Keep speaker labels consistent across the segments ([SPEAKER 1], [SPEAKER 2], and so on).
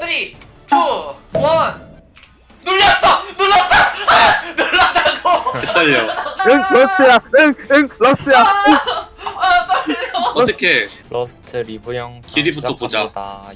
[SPEAKER 1] 3, 2, 1 눌렀어! 눌렀다고!
[SPEAKER 2] 헷갈려.
[SPEAKER 3] 응 러스야 응 러스야
[SPEAKER 1] 아 떨려.
[SPEAKER 2] 어떻게
[SPEAKER 4] 러스트 리뷰 영상
[SPEAKER 2] 길이부터 보자.
[SPEAKER 4] 시작합니다.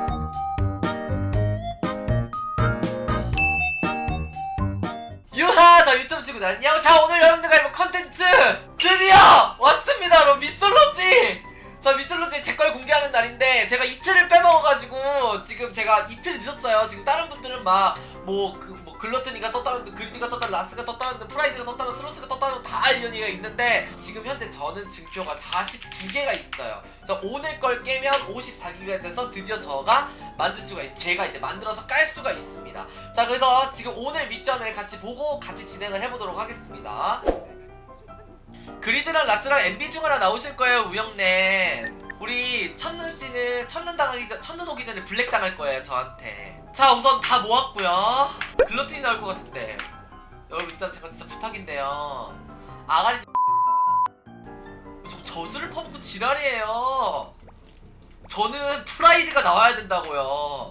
[SPEAKER 1] 유하! 자 유튜브 친구들 안녕. 자 오늘 여러분들과 해볼 컨텐츠 드디어 왔습니다 여러분. 미솔로지! 자 미솔로지 제 걸 공개하는 날인데 제가 이틀을 빼먹어가지고 지금 제가 이틀이 늦었어요. 지금 다른 분들은 막 글러트니가 떴다는 듯, 그리드가 떴다는 듯, 라스가 떴다는 듯, 프라이드가 떴다는 듯, 슬로스가 떴다는 듯 다 이연이가 있는데 지금 현재 저는 증표가 42개가 있어요. 그래서 오늘 걸 깨면 54개가 돼서 드디어 저가 만들 수가 제가 이제 만들어서 깔 수가 있습니다. 자 그래서 지금 오늘 미션을 같이 보고 같이 진행을 해보도록 하겠습니다. 그리드랑 라스랑 MB 중 하나 나오실 거예요. 우영님 우리 첫눈씨는 첫눈 오기 전에 블랙 당할 거예요 저한테. 자 우선 다 모았고요. 글러틴이 나올 것 같은데 여러분 진짜 제가 진짜 부탁인데요. 아가리 저 저주를 퍼붓고 지랄이에요. 저는 프라이드가 나와야 된다고요.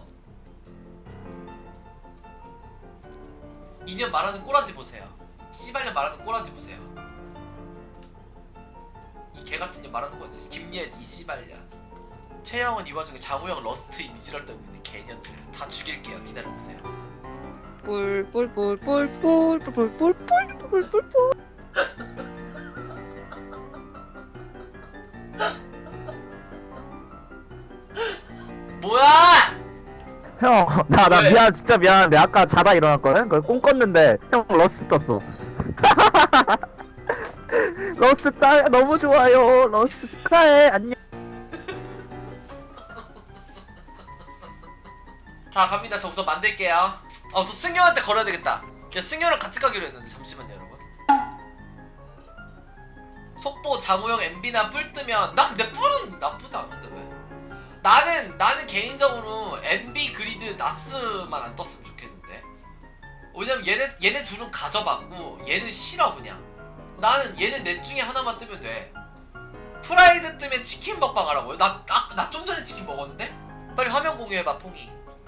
[SPEAKER 1] 2년 말하는 꼬라지 보세요. 씨발년 말하는 꼬라지 보세요. 이 개같은 년 말하는 거지. 김예지 이 씨발년. 최영은 이 와중에 장우영 러스트 이미지를 떨고 있는 개년들 다 죽일게요. 기다려보세요.
[SPEAKER 5] 뿔뿔뿔뿔뿔뿔뿔뿔뿔뿔뿔
[SPEAKER 1] 뭐야!
[SPEAKER 3] 형 나
[SPEAKER 1] 왜?
[SPEAKER 3] 미안 진짜 미안한데 아까 자다 일어났거든? 그걸 꿈 꿨는데 형 러스 떴어 러스 딸 너무 좋아요 러스 축하해 안녕
[SPEAKER 1] 자 갑니다. 저 우선 만들게요. 우선 승효한테 걸어야 되겠다. 야 승효랑 같이 가기로 했는데 잠시만요 여러분. 속보 장우영 MB나 뿔 뜨면 나 근데 뿔은 나쁘지 않은데 왜? 나는 개인적으로 MB 그리드 나스만 안 떴으면 좋겠는데. 왜냐면 얘네 둘은 가져봤고 얘는 싫어 그냥. 나는 얘네 넷 중에 하나만 뜨면 돼. 프라이드 뜨면 치킨 먹방 하라고요? 나 좀 전에 치킨 먹었는데? 빨리 화면 공유해봐 퐁이.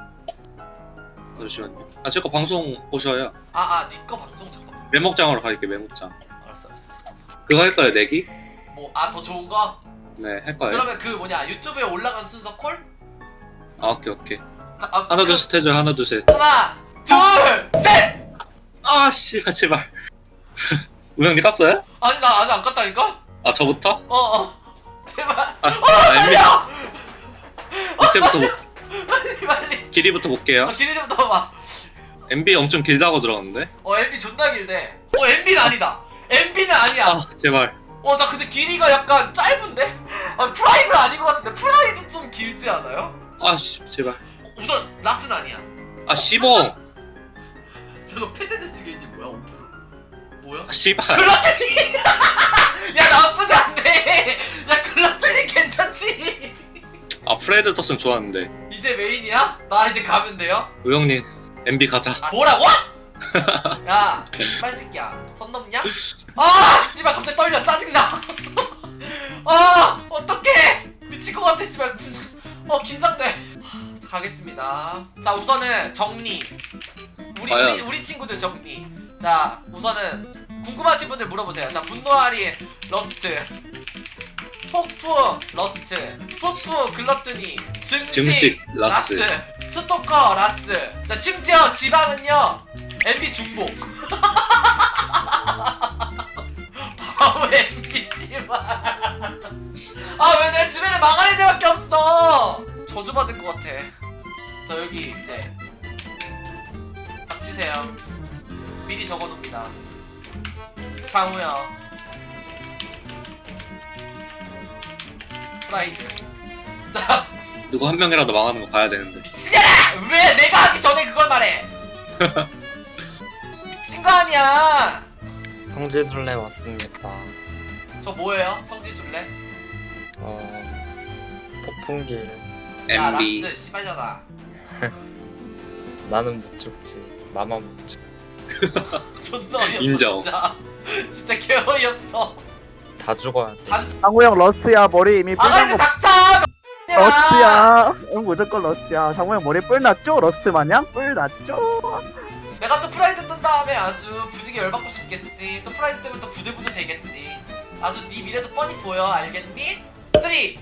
[SPEAKER 2] 잠시만요. 제 거 방송 보셔야.
[SPEAKER 1] 니꺼 방송 잠깐만.
[SPEAKER 2] 메모장으로 갈게. 메모장.
[SPEAKER 1] 알았어.
[SPEAKER 2] 그거 할까요? 내기?
[SPEAKER 1] 더 좋은 거?
[SPEAKER 2] 네, 할까요?
[SPEAKER 1] 그러면 그 유튜브에 올라간 순서 콜?
[SPEAKER 2] 오케이.
[SPEAKER 1] 자,
[SPEAKER 2] 하나 둘 셋 해줘. 하나 둘 셋.
[SPEAKER 1] 하나, 둘, 셋!
[SPEAKER 2] 아 씨발 제발. 우영이 땄어요?
[SPEAKER 1] 아니 나 아직 안 깠다니까?
[SPEAKER 2] 저부터?
[SPEAKER 1] 제발.
[SPEAKER 2] MB 밑에부터
[SPEAKER 1] 빨리.
[SPEAKER 2] 길이부터 볼게요.
[SPEAKER 1] 길이부터 봐봐.
[SPEAKER 2] MB 엄청 길다고 들었는데.
[SPEAKER 1] MB 존나 길네. MB는 아니다. MB는 아니야.
[SPEAKER 2] 제발.
[SPEAKER 1] 자 근데 길이가 약간 짧은데? 프라이드 아닌 것 같은데 프라이드 좀 길지 않아요?
[SPEAKER 2] 제발.
[SPEAKER 1] 우선 라스는 아니야.
[SPEAKER 2] 시봉.
[SPEAKER 1] 저거 페데스 게이지 뭐야? 5%. 뭐야?
[SPEAKER 2] 씨발.
[SPEAKER 1] 글라테니! 야 나쁘지 않네. 야 글라테니 괜찮지?
[SPEAKER 2] 프레드 떴으면 좋았는데.
[SPEAKER 1] 이제 메인이야? 나 이제 가면 돼요?
[SPEAKER 2] 우영님 MB 가자.
[SPEAKER 1] 뭐라고? 야 씨발 새끼야 선 넘냐? 씨발 갑자기 떨려 짜증나. 어떡해 미칠 것 같아 씨발. 긴장돼. 가겠습니다. 자 우선은 정리. 우리 친구들 정리. 자 우선은 궁금하신 분들 물어보세요. 자 분노아리 러스트, 폭푸 러스트, 푸푸 글러트니, 증식
[SPEAKER 2] 라스.
[SPEAKER 1] 스토커 라스. 자 심지어 지방은요 MB 중복. 바보 MB 씨발. 왜 내 주변에 망할 애들밖에 없어. 저주받을 것 같아. 자 여기 이제 닥치세요. 미리 적어둡니다. 장우영, 프라이드. 자
[SPEAKER 2] 누구 한 명이라도 망하는 거 봐야 되는데.
[SPEAKER 1] 미치겠다! 왜 내가 하기 전에 그걸 말해? 미친 거 아니야.
[SPEAKER 4] 성지순례 왔습니다.
[SPEAKER 1] 저 뭐예요? 성지순례?
[SPEAKER 4] 폭풍길.
[SPEAKER 1] 야
[SPEAKER 2] MB.
[SPEAKER 1] 락스 씨발려나.
[SPEAKER 4] 나는 못 죽지. 나만 못 죽.
[SPEAKER 1] 존나 어이없어.
[SPEAKER 2] 인정.
[SPEAKER 1] 진짜 개어이없어.
[SPEAKER 4] 다 죽어야 돼.
[SPEAKER 3] 장우형 러스야 머리 이미
[SPEAKER 1] 아가 이제
[SPEAKER 3] 빨간 거
[SPEAKER 1] 닥쳐!
[SPEAKER 3] 러스트야. 응, 무조건 러스트야. 장모형 머리 뿔 났죠? 러스트 마냥? 뿔 났죠?
[SPEAKER 1] 내가 또 프라이드 뜬 다음에 아주 부지게 열받고 싶겠지. 또 프라이드 뜨면 또 부들부들 되겠지. 아주 네 미래도 뻔히 보여. 알겠니? 3, 2, 1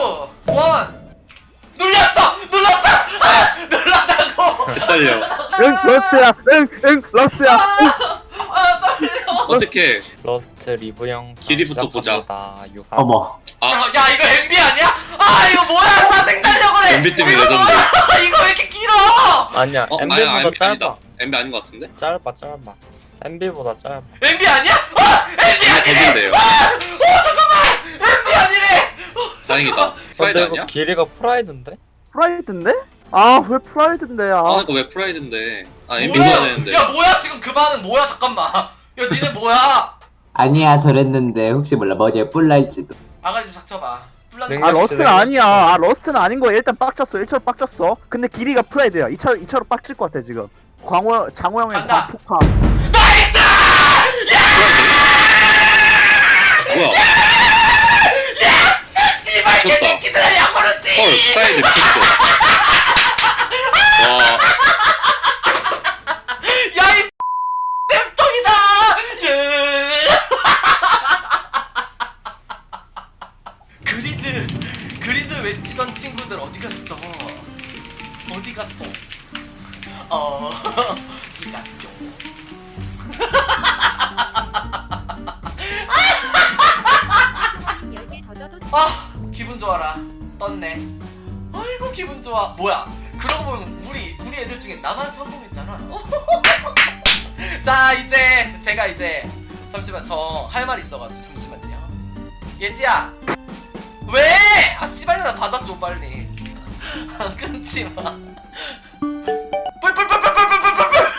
[SPEAKER 1] 눌렸어! 눌렀어! 아! 눌렀다고!
[SPEAKER 2] 헷갈려.
[SPEAKER 3] 응, 러스트야. 응, 러스트야.
[SPEAKER 1] 아 떨려.
[SPEAKER 2] 어떻게
[SPEAKER 4] 러스트 리뷰 영상
[SPEAKER 2] 길이부터 보자.
[SPEAKER 4] 시작합니다. 유하.
[SPEAKER 5] 어머.
[SPEAKER 2] 아
[SPEAKER 1] 야 이거 MB 아니야? 아 이거 뭐야? 사생 달려 그래.
[SPEAKER 2] MB 때문에
[SPEAKER 1] 이거
[SPEAKER 2] 레전드.
[SPEAKER 1] 뭐야? 이거 왜 이렇게 길어?
[SPEAKER 4] 아니야.
[SPEAKER 2] 아니야,
[SPEAKER 4] MB보다
[SPEAKER 2] MB
[SPEAKER 4] 짧아.
[SPEAKER 2] 아니다. MB 아닌 것 같은데?
[SPEAKER 4] 짧아. MB보다 짧아.
[SPEAKER 1] MB 아니야? MB 아니래.
[SPEAKER 2] MB인데요.
[SPEAKER 1] 잠깐만. MB 아니래.
[SPEAKER 2] 다행이다. 프라이드
[SPEAKER 4] 근데 이거
[SPEAKER 2] 아니야?
[SPEAKER 4] 길이가 프라이드인데?
[SPEAKER 3] 프라이드인데? 아, 왜 프라이드인데? 아,
[SPEAKER 2] 아 이거 왜 프라이드인데? 아 MB
[SPEAKER 1] 뭐야?
[SPEAKER 2] 써야 되는데.
[SPEAKER 1] 야 뭐야 지금 그 반은 뭐야? 잠깐만. 야 니네 뭐야?
[SPEAKER 5] 아니야 저랬는데 혹시 몰라 머리에 뿔 날지도.
[SPEAKER 1] 아가리 좀 닥쳐봐. 뿔난
[SPEAKER 4] 능-
[SPEAKER 3] 아,
[SPEAKER 4] 역시
[SPEAKER 3] 러스트는
[SPEAKER 4] 내가
[SPEAKER 3] 아니야.
[SPEAKER 4] 역시.
[SPEAKER 3] 아, 러스트는 아닌 거야. 일단 빡쳤어. 1차로 빡쳤어. 근데 길이가 프라이드야. 2차로 빡칠 것 같아, 지금. 장호 형의
[SPEAKER 1] 간다.
[SPEAKER 3] 광폭함.
[SPEAKER 1] 나이스!
[SPEAKER 2] 뭐야?
[SPEAKER 1] 씨발
[SPEAKER 2] 미쳤다.
[SPEAKER 1] 개새끼들아 야구르지.
[SPEAKER 2] 헐 프라이드 미쳤어. 와
[SPEAKER 1] 야이 땜통이다. 예. 그리드 외치던 친구들 어디 갔어? 어디 갔어? 어디 갔죠? 아 기분 좋아라 떴네. 아이고 기분 좋아. 뭐야? 그러고 보면 우리 애들 중에 나만 성공했잖아. 자 이제 제가 이제 잠시만 저 할 말 있어가지고 잠시만요. 예지야 왜? 아 씨발 나 받아줘 빨리. 끊지 마. 뿔뿔뿔뿔뿔뿔뿔뿔.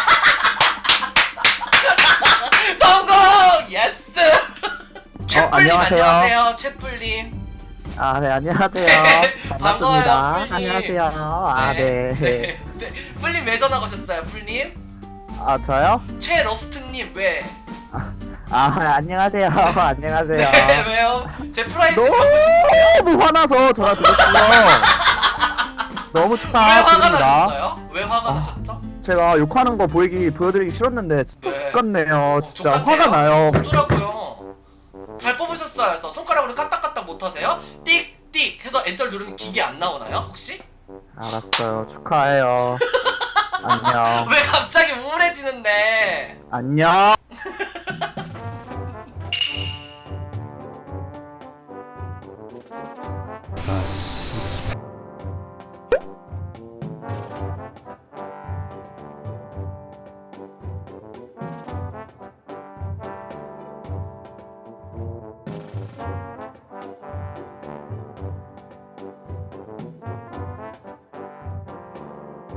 [SPEAKER 1] 성공! 예스! 최뿔님
[SPEAKER 3] 안녕하세요.
[SPEAKER 1] 안녕하세요. 최뿔님.
[SPEAKER 3] 아, 네, 안녕하세요.
[SPEAKER 1] 반가워요,
[SPEAKER 3] 반갑습니다.
[SPEAKER 1] 뿔님.
[SPEAKER 3] 안녕하세요. 아, 네.
[SPEAKER 1] 네. 뿔님 왜 전화 거셨어요, 뿔님?
[SPEAKER 3] 아, 저요?
[SPEAKER 1] 최러스트님 왜?
[SPEAKER 3] 아, 안녕하세요. 안녕하세요.
[SPEAKER 1] 네, 왜요? 제 프라이드
[SPEAKER 3] 너무
[SPEAKER 1] 갖고 싶으세요?
[SPEAKER 3] 너무 화나서 전화 드렸고요. 너무
[SPEAKER 1] 왜 화가
[SPEAKER 3] 축하드립니다.
[SPEAKER 1] 나셨어요? 왜 화가 나셨죠?
[SPEAKER 3] 제가 욕하는 거 보여드리기 싫었는데 진짜
[SPEAKER 1] 네.
[SPEAKER 3] 죽겠네요. 진짜
[SPEAKER 1] 좋겠네요.
[SPEAKER 3] 화가 나요.
[SPEAKER 1] 어쩌라고요? 잘 뽑으셨어요. 그래서 손가락으로 까딱까딱 못하세요? 띡띡 해서 엔터 누르면 기계 안 나오나요? 혹시?
[SPEAKER 3] 알았어요. 축하해요. 안녕.
[SPEAKER 1] 왜 갑자기 우울해지는데?
[SPEAKER 3] 안녕.